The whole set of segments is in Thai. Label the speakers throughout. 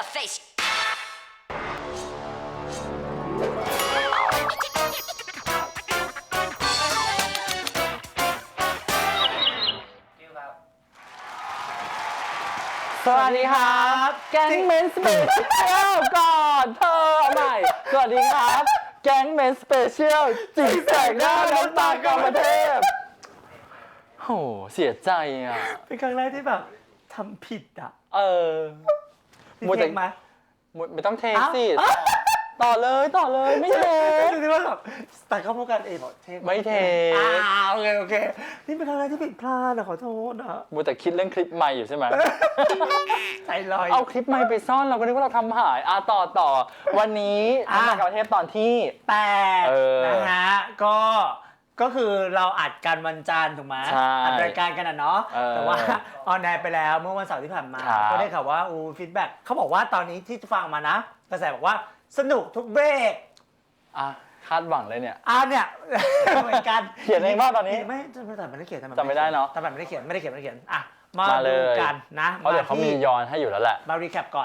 Speaker 1: your face
Speaker 2: สวัสดีครับแก๊งเมนสเปเชียลก่อนเธอใหม่สวัสดีครับแก๊งเมนสเปเชียลจิกแสกหน้าน้ำตากรรมเทพโหเสียใจอ่ะ
Speaker 3: เป็นครั้งแรกที่แบบทำผิดอ่ะ
Speaker 2: มัวแต่
Speaker 3: เทคไหม
Speaker 2: ไม่ต้องเทคสิต่อเลยไม่เทค
Speaker 3: คือที่ว่าแบบแต่เข้าพวกกันเองบอกเทค
Speaker 2: ไม่เทค
Speaker 3: โอเคนี่เป็นครั้งแรกที่ผิดพลาดอะขอโทษนะ
Speaker 2: มัวแต่คิดเรื่องคลิปใหม่อยู่ใช่ไหม
Speaker 3: ใจลอย
Speaker 2: เอาคลิปใหม่ไปซ่อนเราก็นึกว่าเราทำหายต่อวันนี้น้ำตากรรมเทพตอนที่
Speaker 3: แต่
Speaker 2: เออ
Speaker 3: นะฮะก็คือเราอัดกันวันจันทร์ถูกไหม
Speaker 2: ใช่
Speaker 3: อัดรายการกันอะเนาะ
Speaker 2: เออ
Speaker 3: แต่ว่าออนแอร์ไปแล้วเมื่อวันเสาร์ที่ผ่านมา
Speaker 2: ครับ
Speaker 3: ก็ได้ข่าวว่าฟีดแบ็กเขาบอกว่าตอนนี้ที่ฟังมานะกระแสบอกว่าสนุกทุกเบรก
Speaker 2: คาดหวังเลยเนี่ย
Speaker 3: เนี่ย เหมือนกัน
Speaker 2: เขียนเองป่ะตอนนี้
Speaker 3: ไม่แต่ไม่ได้เขียน
Speaker 2: จำไม่ได้เนอะ
Speaker 3: แต่ไม่ได้เขียนอ่ะมา
Speaker 2: มาเล
Speaker 3: ดู
Speaker 2: ย
Speaker 3: กันนะ
Speaker 2: เพราะเดี๋ยวเขามีย้อนให้อยู่แล้วแหละ
Speaker 3: มารีแคปก่อน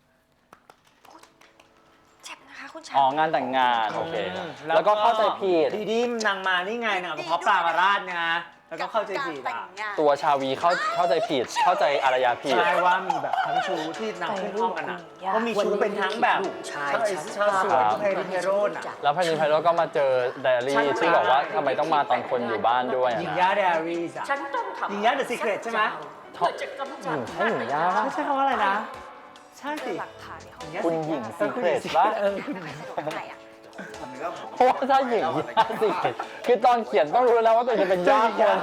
Speaker 1: เจ็บนะคะคุณชา
Speaker 2: อ๋องานแต่งงานโอเคแล้วก็เข้าใจผิด
Speaker 3: ทีนี้นางมานี่ไงนางเอากระเพาะปลามาราดไงแล้วก็เข้าใจผิดอ่ะ
Speaker 2: ตัวชาวีเข้าใจผิดเข้าใจอารยาผิด
Speaker 3: ใช่ว่ามีแบบทั้งชูที่นางขึ้นห้องกันอ่ะก็มีชูเป็นทั้งแบบชายสวนเพลินเพโรนอ่ะ
Speaker 2: แล้วพานิไพโรจน์ก็มาเจอไดอารี่ที่บอกว่าทำไมต้องมาตอนคนอยู่บ้านด้วย
Speaker 3: หญิงย่าเดอารีสอ่ะ
Speaker 1: ฉันต้องทำ
Speaker 3: หญิงย่าเดอะซีเครตใช่ไหม
Speaker 2: ท็อป
Speaker 1: จะกำจัด
Speaker 2: ใช่หญิงย่าปะ
Speaker 3: ไม่ใช่คำว่าอะไรนะ ใช่สิ
Speaker 1: หลักฐานในห้อง
Speaker 2: คุณหญิงซีเครตปะ
Speaker 3: คุณหญิง
Speaker 1: สะดวกไหนอ่ะ
Speaker 2: เพราะว่าถ้าหญิงย่าซีเครตคือตอนเขียนต้องรู้แล้วว่าตัวเองจะเป็นย่าคน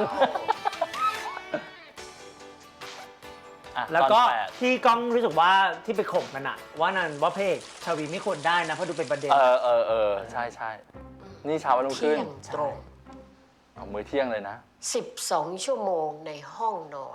Speaker 2: อ่ะ
Speaker 3: แล้วก็
Speaker 2: ตอนแปด
Speaker 3: ที่ก้องรู้สึกว่าที่ไปข่มกันอะว่านั่นว่าเพลงชาวีไม่ควรได้นะเพราะดูเป็นประเด็น
Speaker 2: ใช่นี่เช้าวันรุ่งขึ้
Speaker 4: เที่
Speaker 2: น
Speaker 4: ยงตรง
Speaker 2: เอามื้อเที่ยงเลยนะ
Speaker 4: 12 ชั่วโมงในห้องนอน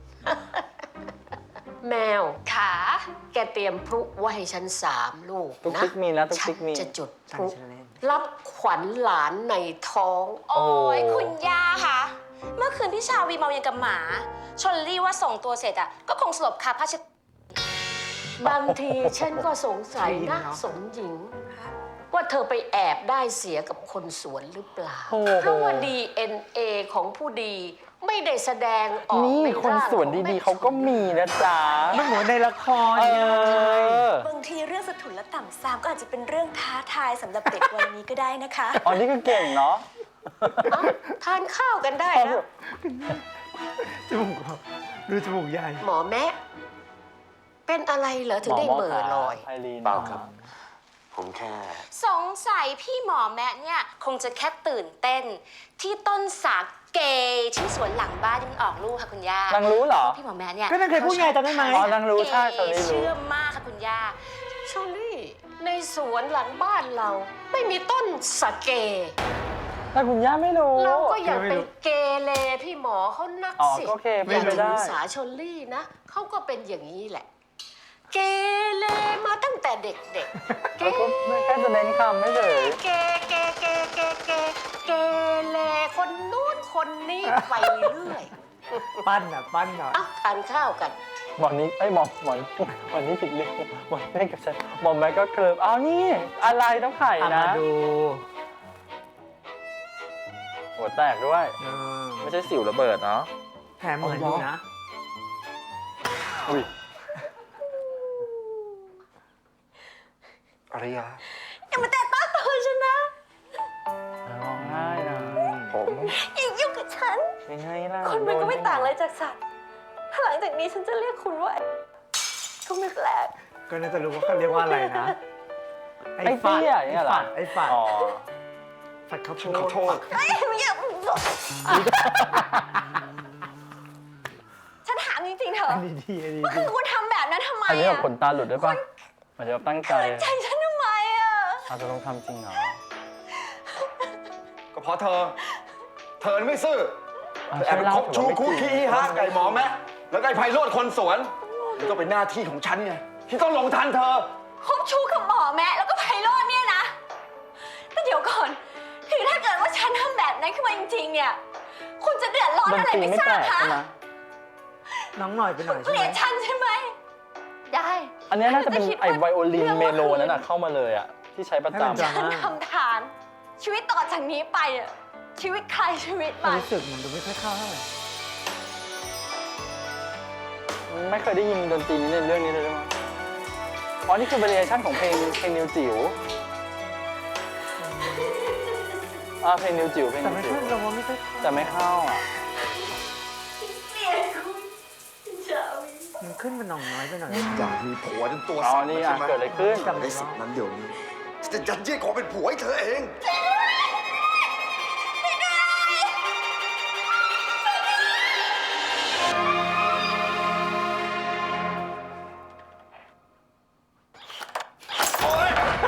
Speaker 4: แมว
Speaker 1: ขา
Speaker 4: แกเตรียมพลุไว้ให้ฉัน3 ลูก
Speaker 2: ตุ๊ก
Speaker 4: นะ
Speaker 2: ติ๊กมีนะตุ๊ก
Speaker 4: ฉั
Speaker 2: ติ๊กมี
Speaker 4: จะจุดพ
Speaker 3: ตั้ง
Speaker 4: ลุ
Speaker 3: ชื่อเล่น
Speaker 4: รับขวัญหลานในท้อง
Speaker 1: โอ้ยคุณย่าคะเมื่อคืนพี่ชาวีเมายังกับหมาชนลี่ว่าส่งตัวเสร็จอ่ะก็คงสลบคาผ้าเช็ด
Speaker 4: บางทีฉันก็สงสัยนะสมหญิง ว่าเธอไปแอบได้เสียกับคนสวนหรือเปล่า
Speaker 2: โอ้โห
Speaker 4: เพราะว่า DNA ของผู้ดีไม่ได้แสดงออก
Speaker 2: นี่
Speaker 4: ใน
Speaker 2: คน
Speaker 4: ร่าง
Speaker 2: สวนดีๆเขาก็มีนะจ๊ะ
Speaker 3: มันเหมือนในละคร
Speaker 2: เอ
Speaker 3: ไง
Speaker 2: อ
Speaker 5: บางทีเรื่องสะทุนและต่ำซามก็อาจจะเป็นเรื่องท้าทายสำหรับเด็กวัยนี้ก็ได้นะคะ
Speaker 2: อ๋อนี่ก็เก่งเนาะ
Speaker 4: เอ้าทานข้าวกันได้นะ
Speaker 3: จมูกเขาดูจมูกใหญ่
Speaker 4: หมอแม่เป็นอะไรเหรอถึงได้เหม่อลอย
Speaker 2: ไพลีน
Speaker 6: เปล่าครับ ผมแค่
Speaker 1: สงสัยพี่หมอแม่เนี่ยคงจะแค่ตื่นเต้น ที่ต้นสาเกที่สวนหลังบ้านที่มันออกลูกค่ะคุณย่าน
Speaker 2: างรู้เหรอ
Speaker 1: พี่หมอแม่เนี่ย
Speaker 3: ก็นางเคยพูดไงจำได้ไหม
Speaker 2: อ๋อนางรู้ใช่ตอนนี้รู้
Speaker 1: เชื่อมากค่ะคุณย่า
Speaker 4: ชอลี่ในสวนหลังบ้านเรา ไม่มีต้นสะเก
Speaker 2: แต่คุณย่าไม่รู้
Speaker 4: เราก็อย่าไปเกเรพี่หมอเขานัก
Speaker 2: อ๋อ
Speaker 4: สิ
Speaker 2: ก็โอเค
Speaker 4: อย่า
Speaker 2: เป็นไป
Speaker 4: ถื
Speaker 2: ได้
Speaker 4: อสาชอลี่นะเขาก็เป็นอย่างนี้แหละ เกเรมาตั้งแต่เด็กๆ เก
Speaker 2: ก็แค่จะเน้นคำไม่เฉย
Speaker 4: เกเกเกเกเกเกเรคนนู้นคนนี้ไปเรื่อย
Speaker 3: ปั้นหน่อย
Speaker 4: เอ้าทานข้าวกัน
Speaker 2: หมอนนี้ไอ้ยหมอนวันนี้ผิดเรื่องหมอนแม่กับฉันหมอนแม่ก็เคลิบอ้าวนี่อะไรต้องไข่
Speaker 3: เอา
Speaker 2: นะ
Speaker 3: มาดู
Speaker 2: หัวแตกด้วย ไม่ใช่สิวระเบิดเนาะ
Speaker 3: แถมเหมือนอยู่นะ
Speaker 2: อุ้ย
Speaker 6: อารยา
Speaker 5: อย่ามาแตะต้องตัวฉันนะ
Speaker 2: ร้องไห้นะ
Speaker 6: ผม
Speaker 5: อย่ายุ่งกับฉัน
Speaker 2: ยังไงล่ะ
Speaker 5: คนมันก็ไม่ต่างอะไรจากสัตว์ถ้าหลังจากนี้ฉันจะเรียกคุณว่าก็ไม่แปลก
Speaker 3: ก็น่าจะรู้ว่าเขาเรียกว่าอะไรนะ
Speaker 2: ไอ้เตี้ยอย่างเงี้ยเหรอ
Speaker 3: ไอ้ฝัด
Speaker 2: อ๋อ
Speaker 3: ฝัดข้าวโพ
Speaker 6: ฉันขอโทษ
Speaker 5: เอ้ยไม่อยากฉันถามจริงๆเถอะ
Speaker 3: อันนี้ดีอันนี้
Speaker 5: ว่า
Speaker 3: ดี
Speaker 5: คือคุณทำแบบนั้นทำไม
Speaker 2: อันนี้แบบ
Speaker 5: อะ
Speaker 2: ขนตาหลุดด้วยป่ะมันจะแบบตั้งใจ
Speaker 5: ใจฉันทำไมอะ
Speaker 2: อาจจะต้องทำจริงเหรอ
Speaker 6: ก็เพราะเธอไม่ซื่อ
Speaker 2: อ่ะ
Speaker 6: แอบไปคบชู
Speaker 2: ช่วยเล่า
Speaker 6: คู่ขี้ฮะไก่หมอแม่แล้วไก่ไพโรดคนสวนนี่ก็เป็นหน้าที่ของฉันไงที่ต้องลงทันเธอ
Speaker 5: คบชู้กับหมอแม่แล้วก็ไพโรจน์เนี่ยนะแต่เดี๋ยวก่อนคือถ้าเกิดว่าฉันทำแบบนั้นขึ้นมาจริงๆเนี่ยคุณจะเดือดร้อน
Speaker 2: ดน
Speaker 5: อะไร
Speaker 2: ตรี
Speaker 5: ไม่
Speaker 2: ไม่
Speaker 5: ทรา
Speaker 2: แปล
Speaker 5: บ
Speaker 2: ก
Speaker 5: คะ
Speaker 2: ใช่ไหม
Speaker 3: น้องหน่อยไปหน่อย
Speaker 5: เก
Speaker 3: ใช่
Speaker 5: ลี
Speaker 3: ไหม
Speaker 5: ยดฉันใช่ไหม
Speaker 1: ได้
Speaker 2: อันเนี้ยน่าจะเป็น
Speaker 5: คิด
Speaker 2: ไอไวโอลิน
Speaker 5: รื่อง
Speaker 2: เม
Speaker 5: มื่อ
Speaker 2: โล
Speaker 5: คื
Speaker 2: นั่นน่ะเข้ามาเลยอ่ะ ที่ใช้ประ
Speaker 3: ให้มัน
Speaker 2: จำ
Speaker 3: จำ
Speaker 5: ฉันทำทาน ชีวิตต่อจากนี้ไปอะชีวิตใครชีวิต
Speaker 3: ความ
Speaker 5: มัน
Speaker 3: รู้สึกมันดูไม่ค่อยเข้าเท่าไหร่
Speaker 2: ไม่เคยได้ยินดนตรีนี้ในเรื่องนี้เลยด้วยมั้งอ๋อ นี่คือ variation ของเพลงนิวจิ๋วเพลงนิวจิ๋วเพลง
Speaker 3: แต่
Speaker 2: นิว
Speaker 3: ไม่
Speaker 2: จิ๋
Speaker 3: ค่อ
Speaker 2: วย
Speaker 3: เราว่าไม่ค่อยเข้า
Speaker 2: แต่ไม่เข้าอ่ะ
Speaker 3: มันขึ้นมันหน่องน้อยไปหน่อย
Speaker 6: อยากมีผัวจนตัว
Speaker 2: อ๋อ
Speaker 6: สั่น
Speaker 2: นี่
Speaker 6: ใช่
Speaker 2: อ่ะ
Speaker 6: ไหม
Speaker 2: เกิดอะไรขึ้น
Speaker 6: ได้สิทธิ์นั้นเดี๋ยวนี้ฉันจะยัดเยียดขอเป็นผัวให้เธอเอง
Speaker 2: เออ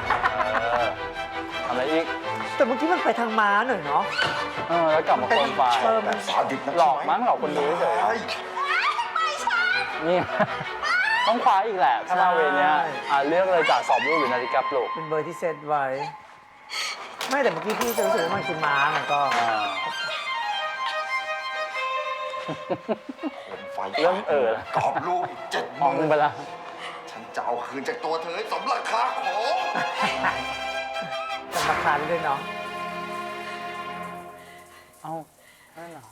Speaker 2: ทำอะไรอีก
Speaker 3: แต่เมื่อกี้มันไปทางม้าหน่อยเนาะ
Speaker 2: แล้วกลับมาโคมไฟ
Speaker 6: แบบสาดิตนะ
Speaker 2: หลอกมั้งหลอกคนดูเฉย
Speaker 6: ใช่
Speaker 2: ๆนี่ ต้องคว้าอีกแหละ ถ้ามาเวรเนี้ยเลือกเลยจากสอบลูกหรือนาฬิกาปลุก
Speaker 3: เป็นเบอร์ที่เซตไว้ ไม่แต่เมื่อกี้พี่จะรู้สึกว่ามันคือม้ามันก็
Speaker 6: ผมไฟ
Speaker 2: เริ่มแล้ว
Speaker 6: กรอบลูกอีก7
Speaker 2: มอง
Speaker 6: มือ
Speaker 2: ไปละ
Speaker 6: ฉันจะเอาคืนจากตัวเธอให้สมราคาของ
Speaker 3: สำคัญด้วยเนาะ
Speaker 2: เอ้านั่นเหรอ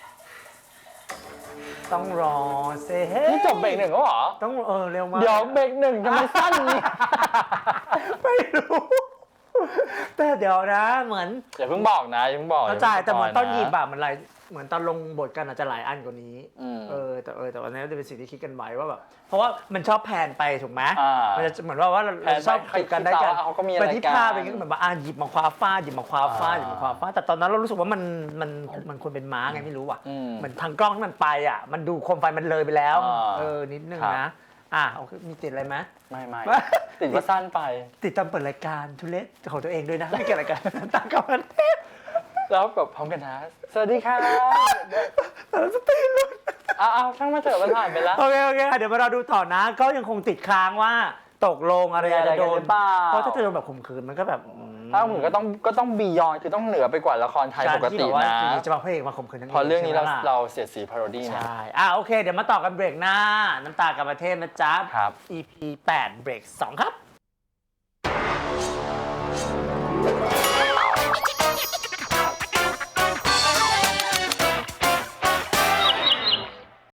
Speaker 3: ต้องรอเซเฮ้
Speaker 2: นี่จบเบรกหนึ่งแล้วเหรอ
Speaker 3: ต้องเร็วมาก
Speaker 2: เดี๋ยวเบรกหนึ่งทำไมสั้นนี่
Speaker 3: ไม่รู้ แต่เดี๋ยวนะเหมือน
Speaker 2: อย่าเพิ่งบอกนะอย่าเพิ่งบอก
Speaker 3: เข้าใจแต่เหมือนตอนหยิบ
Speaker 2: แบบ
Speaker 3: อะมันหลายเหมือนตอนลงบทกันอาจจะหลายอันกว่านี้
Speaker 2: อืม
Speaker 3: แต่วันนี้จะเป็นสิ่งที่คิดกันไว้ว่าแบบเพราะว่ามันชอบแพนไปถูกไหม
Speaker 2: มั
Speaker 3: มันจะเหมือนว่าเรา
Speaker 2: แพนไป
Speaker 3: ชอบติดกันได้กัน
Speaker 2: เขาก็มีอะไร
Speaker 3: ไปที่
Speaker 2: กัน
Speaker 3: ภาพอะไรเงี้ยเหมือนว่าหยิบมาคว้าฟาดหยิบมาคว้าฟาดหยิบมาคว้าฟาดแต่ตอนนั้นเรารู้สึกว่ามันควรเป็นม้าไงไม่รู้ว่ะ
Speaker 2: อืม
Speaker 3: เหมือนทางกล้องที่มันไปอ่ะมันดูโคมไฟมันเลยไปแล้ว นิดนึง
Speaker 2: ครับ
Speaker 3: นะโอเคมีติดอะไรไหม
Speaker 2: ไม่
Speaker 3: ไม่
Speaker 2: ติดว่าสั้นไป
Speaker 3: ติดตามเปิดรายการทุเรศของตัวเองด้วยนะไม่เกี่ยวรายการตามกับมันเทพ
Speaker 2: แล้วแบบพร้อมกันนะสวัสดีค่ะ
Speaker 3: สตีลุน
Speaker 2: เอาช่างมาเถอะมันผ่านไปแล้ว
Speaker 3: โอเคเดี๋ยวมาเราดูต่อนะ ก็ยังคงติดค้างว่าตกลงอะไรจะโด
Speaker 2: มีอะไรกันห
Speaker 3: น
Speaker 2: รือเปล่า
Speaker 3: เพราะถ้าจะโดนแบบข่มขืนมันก็แบบ
Speaker 2: ถ้าผมก็ต้องบียอนคือต้องเหนือไปกว่าละครไทยปกติ
Speaker 3: การที่แบบว่า
Speaker 2: นะ
Speaker 3: อยู่ดีจะมาพระเอกมาข่มขืนทั้ง
Speaker 2: พอเรื่องนี้เรา
Speaker 3: ใช่ไหมล่ะ
Speaker 2: เราเสียดสีพาโรดี้นะ
Speaker 3: ใช่โอเค เดี๋ยวมาต่อกันเบรกหน้า น้ำตากับประเทศนะจ๊ะ
Speaker 2: ครับ
Speaker 3: EP 8 เบรก 2 ครับ